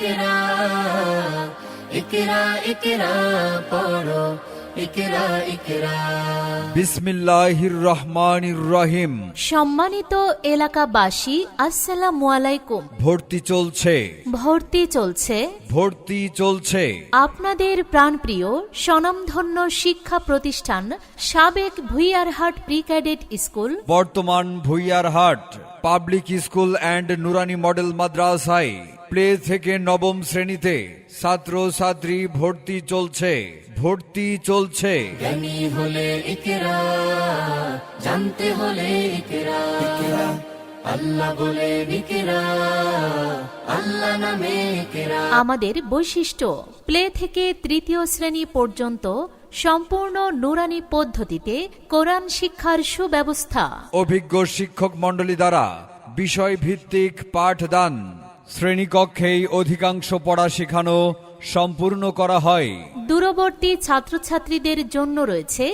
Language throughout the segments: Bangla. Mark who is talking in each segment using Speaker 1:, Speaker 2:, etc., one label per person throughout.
Speaker 1: ইকরা ইকরা ইকরা পড়ো ইকরা ইকরা।
Speaker 2: বিসমিল্লাহির রহমানির রহিম।
Speaker 3: সম্মানিত এলাকাবাসী, আসসালামু আলাইকুম।
Speaker 2: ভর্তি চলছে,
Speaker 3: ভর্তি চলছে
Speaker 2: ভর্তি চলছে।
Speaker 3: আপনাদের প্রাণপ্রিয় স্বনামধন্য শিক্ষা প্রতিষ্ঠান সাবেক ভুইয়ারহাট প্রি ক্যাডেট স্কুল,
Speaker 2: বর্তমান Bhuiyarhat public school and Nurani model মাদ্রাসায় প্লে থেকে নবম শ্রেণীতে ছাত্র ছাত্রী ভর্তি চলছে, ভর্তি চলছে।
Speaker 1: জ্ঞানী হলে ইকরা, জানতে হলে ইকরা, আল্লাহ বলে ইকরা, আল্লাহ নামে ইকরা।
Speaker 3: আমাদের বৈশিষ্ট্য, প্লে থেকে তৃতীয় শ্রেণী পর্যন্ত সম্পূর্ণ নুরানি পদ্ধতিতে কোরআন শিক্ষার সুব্যবস্থা,
Speaker 2: অভিজ্ঞ শিক্ষক মণ্ডলী দ্বারা বিষয় ভিত্তিক পাঠদান, শ্রেণীকক্ষেই অধিকাংশ পড়া শেখানো সম্পূর্ণ করা হয়।
Speaker 3: দূরবর্তী ছাত্রছাত্রীদের জন্য রয়েছে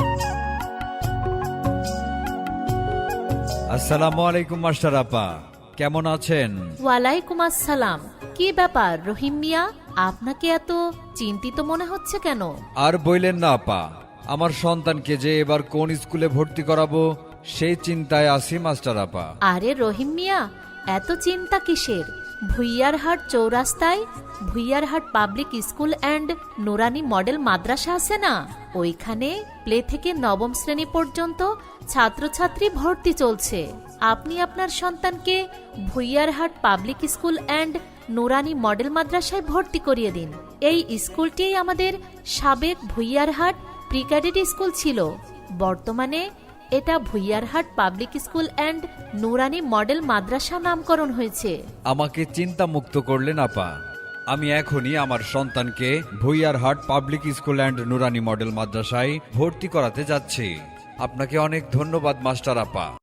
Speaker 2: আসসালামু আলাইকুম মাস্টার আপা, কেমন আছেন?
Speaker 3: ওয়ালাইকুম আসসালাম। কি ব্যাপার রহিম মিয়া, আপনাকে এত চিন্তিত মনে হচ্ছে কেন?
Speaker 2: আর বইলেন না আপা, আমার সন্তানকে যে এবার কোন স্কুলে ভর্তি করাবো সেই চিন্তায় আছি মাস্টার আপা।
Speaker 3: আরে রহিম মিয়া, এত চিন্তা কিসের? ভুইয়ারহাট চৌরাস্তায় Bhuiyarhat public school and Nurani model Madrasa আছে না, ওইখানে প্লে থেকে নবম শ্রেণী পর্যন্ত ছাত্রছাত্রী ভর্তি চলছে। আপনি আপনার সন্তানকে Bhuiyarhat public school and Nurani model মাদ্রাসায় ভর্তি করিয়ে দিন। এই স্কুলটি আমাদের সাবেক ভুইয়ারহাট প্রি ক্যাডেট স্কুল ছিল, বর্তমানে এটা Bhuiyarhat public school and Nurani model Madrasa নামকরণ হয়েছে।
Speaker 2: আমাকে চিন্তা মুক্ত করলেন আপা, আমি এখনই আমার সন্তানকে Bhuiyarhat public school and Nurani model মাদ্রাসায় ভর্তি করাতে যাচ্ছি। আপনাকে অনেক ধন্যবাদ মাস্টার আপা।